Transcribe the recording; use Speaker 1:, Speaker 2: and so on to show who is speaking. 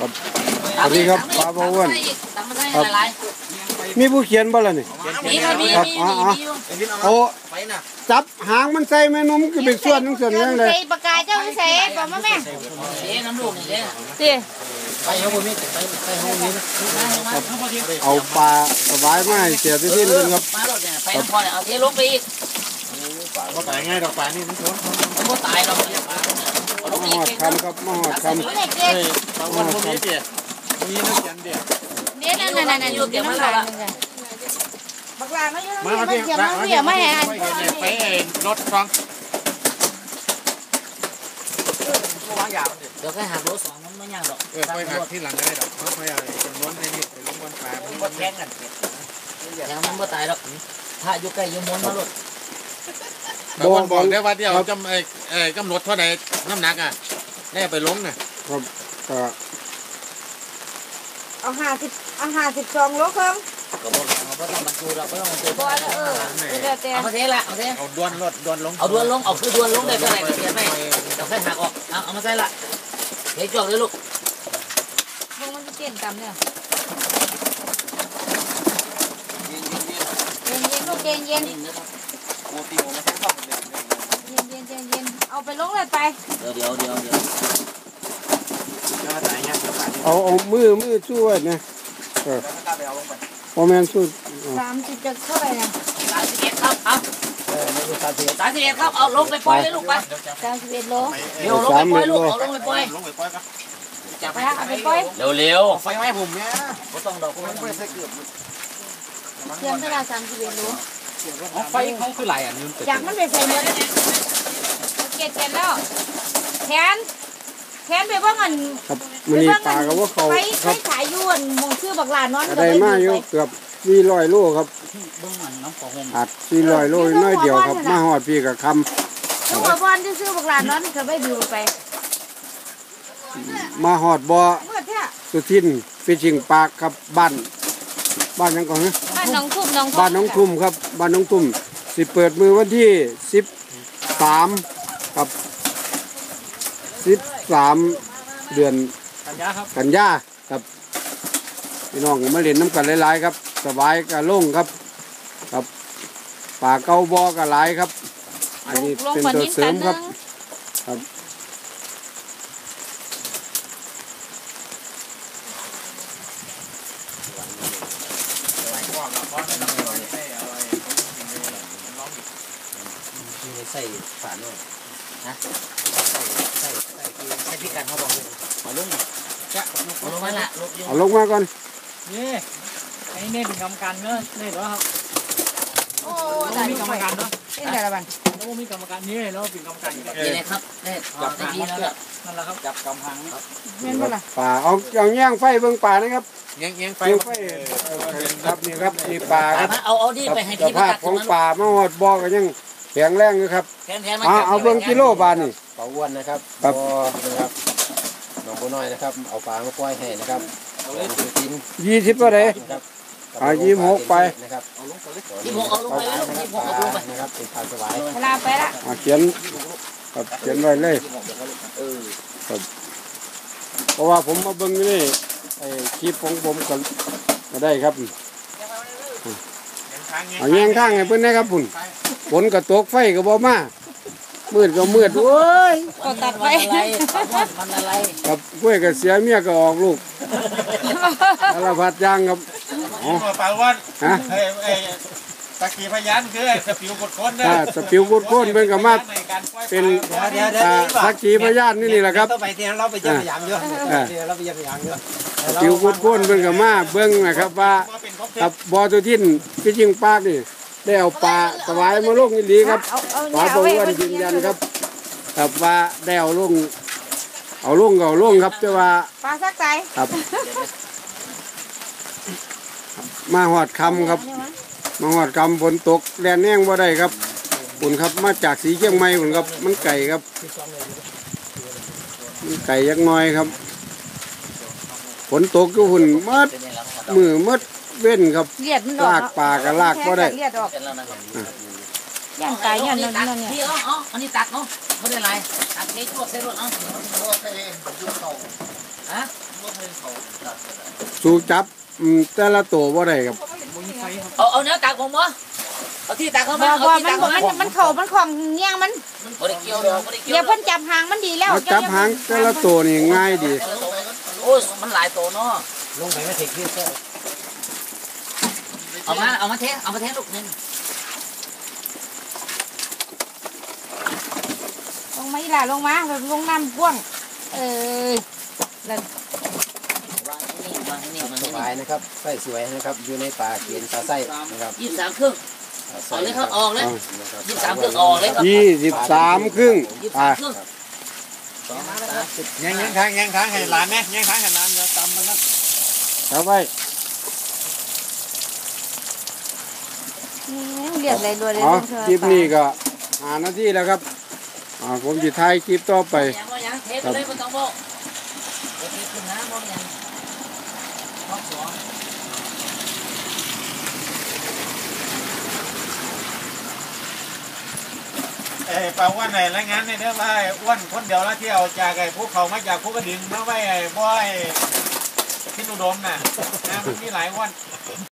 Speaker 1: ครับสวัสดีครับป้าพ่ออ้วนมีผู้เขียนบ่ล่ะนี่ครับเอาจับหางมันใส่แม่นุ่มก็เป็นส่วนนึงส่วนนึงเลย
Speaker 2: ปากกาเจ้าใส่บอกมาแม่น้ำลูกนี่เลยสิไปเอาบนนี้ไปห้องนี้
Speaker 1: เอาปลาสบายมากเสียที่นี่เลยครับ
Speaker 2: ไปน้ำพอเนี่ยเอาเทลงไปอีก
Speaker 3: ก็ตายง่ายดอกปลานี่มันชน
Speaker 2: มันก็ตายเรา
Speaker 1: มาหอดคำครับมาหอดคำ
Speaker 3: ปลาวันพวกนี้เดี๋ยวมีนักเขียนเดี๋ยว
Speaker 2: นั่นอยู่เดี๋ยวมาแล้วบักลาไม่ยุ่งมาเขียนมาเขียนมา
Speaker 3: ไปรถฟัง
Speaker 2: เดี๋ยวแค่หักรถ2มันไม่ยากหรอก
Speaker 3: ไปหักที่หลังได้ดอกเพราะเขาอยากจำนวนในนี้ไปล้มวันปลา
Speaker 2: มันก็แข่งกันแล้วมันก็ตายหรอกถ้าอยู่ใกล้อยู่ม้วนมาหลุด
Speaker 3: แต่วันบอกได้ว่าเดี๋ยวกำหนดเท่าไหร่น้ำหนักอ่ะได้ไปล้มน่ะ
Speaker 1: ครับก็
Speaker 2: เอา52 โลครึ่งก็บอกเราก็ต้องบรรจุเราก็ต้องบรรจุเอามาเทละ
Speaker 3: เอาดวนดวนลง
Speaker 2: เอาดวนลงเอาคือดวนลงได้เท่าไหร่ก็เสียไปเราแค่หักออกเอามาใส่ละเทจอกเลยลูกมันจะเปลี่ยนกรรมเนี่ยเย็นลูกเย็นเอาไปลงเลยไปเดี๋ยว
Speaker 1: เอามือช่วยนะพอแมนสู้
Speaker 2: 30จะเท่าไหร่เนี่ย31ครับเอา31ครับเอาลงไปปล่อยเลยลูกไป31 โลเดี๋ยวลงไปปล่อยลูกเอาลงไปปล่อยครับจับไปปล่อยเร็ว
Speaker 3: ไฟไหม้ผมเนี่ย
Speaker 2: ไม่ต้องดอกไม่ใส่เกือบเตรียมเวลา31 โล
Speaker 3: ไฟเขาคือไหล
Speaker 2: จากมันไปใส่เนื้อเกล็ดแล้วแขนไปว่ามัน
Speaker 1: ครับมันนี่ปลากับว่าเขา
Speaker 2: ครับสายยวนมองชื่อบักหลานนอน
Speaker 1: อะไรมาอยู่เกือบ400 โลครับอัด400 โลน้อยเดียวครับมาหอดพี่กับคำ
Speaker 2: ลูกบอลที่ซื้อบักหลานนอนก็ไม่ดูไป
Speaker 1: มาหอดบ่อสุทินฟิชชิงปากครับบ้านยังก่อนนะ
Speaker 2: บ้านน้องทุ่ม
Speaker 1: ครับบ้านน้องทุ่มสิเปิดมือวันที่13ครับ13 เดือนกันยาครับพี่น้องมาเล่นน้ำกันหลายๆครับสบายกะล่งครับครับป่าเก้าบ่อกะหลายครับอันนี้เป็นตัวเสริมครับครับ
Speaker 2: ใส่ฝาด้วยนะใส่พิการเขาบอกเลยเอาลงจะเอาลงมาละ
Speaker 1: เอาลงมาก่อน
Speaker 4: นี่ไอ้เนี่ยเป็นกรรมการเนอะนี่เหรอครับ
Speaker 2: โอ้
Speaker 4: มีกรรมการเนาะ
Speaker 2: เป็นอะไรบ้าง
Speaker 4: แล้วมีกรรมการนี่แล้วเป็นกรรมการ
Speaker 2: นี่ครับนี่จับทีนั่นแหละ
Speaker 4: ครับจับกำพังนี่
Speaker 2: เม่นบ่ล่ะ
Speaker 1: ป่าเอาแย่งไฟเบิ่งป่านะครับ
Speaker 3: แย่งไฟ
Speaker 1: ครับนี่ครับนี่ป่าครับ
Speaker 2: เอาดิไปให้ที
Speaker 1: มตัดของป่ามาหอดบ่อก็ยังแข็งแรงอยู่ครับเอาเบิ่งกิโลบาทนี่
Speaker 5: ปลาอ้วนนะครับครับน้องบัวน้อยนะครับเอาปลามาปล่อยให้นะครับ
Speaker 1: 20ก็ได้26ไป
Speaker 5: นะครับ
Speaker 2: 26เอาลงไป
Speaker 5: นะครับเป็นปลาสวาย
Speaker 2: เวลาไปละ
Speaker 1: เขียนครับเขียนไว้เลยครับเพราะว่าผมมาเบิ่งนี่ไอ้คลิปของผมก็ได้ครับเอาแยงทางให้เพิ่นนะครับพุ่นฝนก็ตกไฟก็บ่มามืดก็มืดโอ้ย
Speaker 2: ก็ตัดไฟมันอะไร
Speaker 1: ครับกล้วยก็เสียเมียก็ออกลูกสารพัดอย่างครับ
Speaker 3: อ๋อปลาวันตะกี้พยานคือสปิวกดคนนะ
Speaker 1: สปิวกดคนเป็นกับมาเป็นสักขีพยานนี่แหละครับ
Speaker 5: ไปเที่ยวเราไปเยี่ยมพยามเยอะเราไปเยี่ยมพยามเยอะ
Speaker 1: สปิวกดคนเป็นกับมาเบิ้งนะครับว่าครับบ่อตัวทิ้นพี่จิงปากนี่ได้เอาปลาสวายมาลงอีหลีครับปลาบ่อ้วนยืนยันครับแต่ว่าได้เอาลงครับแต่ว่า
Speaker 2: ปลาสักใจ
Speaker 1: ครับมาหอดคำครับมาหอดคำฝนตกแดดแห้งบ่ได้ครับฝนครับมาจากสีเชียงใหม่ฝนครับมันไก่ครับมันไก่ยักน้อยครับฝนตกก็ฝุ่นมืดเว้นครับลากปลากับลากบ่ได้
Speaker 2: ย่างไก่ย่างนั่นเนี่ยอันนี้ตักเนาะไม่ได้ไรตักเทชั่วเทรถเนาะฮะ
Speaker 1: สู้จับแต่ละตัวบ่ได้ครับ
Speaker 2: เอาเนื้อตากผมบ่เอาที่ตากเขามา
Speaker 6: บ่
Speaker 2: เอาที่ตากเขามา
Speaker 6: มันเข่ามันของเงี้ยงมัน
Speaker 2: บ่ได้เกี่ยวดอกบ่ได้เกี่ยว
Speaker 6: เดี๋ยวเพิ่นจับหางมันดีแล้ว
Speaker 1: เอาจับหางแต่ละตัวนี่ง่ายดี
Speaker 2: โอ้ยมันหลายตัวเนาะ
Speaker 5: ลงไปไม่ถึงที่ก็
Speaker 2: เอามาเทลูกนึง
Speaker 6: ลงมาอีหล่าลงมาลงน้ำพ่วงแล้ว
Speaker 2: วางที่นี่
Speaker 5: สบายนะครับไส้สวยนะครับอยู่ในปลาเขียนปลาไส้นะครับ
Speaker 2: 23ครึ่งเอาเลยครับออกเลย23ครึ่งออกเลยครับ
Speaker 1: 23ครึ่งอ่า
Speaker 2: ครึ่ง
Speaker 3: ยังทางให้หลานเนี่ยยังทางให้หลานเดี๋ยวตำมันนะ
Speaker 1: เอาไว้
Speaker 6: เรียกอะไรด้วยเลย
Speaker 1: อ๋อคลิปนี้ก็5 นาทีแล้วครับผมจะถ่ายคลิปต่อไป
Speaker 2: ยังเทไปเลยบ่ต้องบอกเทขึ้นนะบ่ยังรอบสอง
Speaker 3: ปลาอ้วนไหนรายงานในเด้อว่าอ้วนคนเดียวแล้วที่เอาจากไอ้ภูเขามาจากภูกระดึงมาไว้ไอ้บ่อยที่อุดมน่ะมันมีหลายอ้วน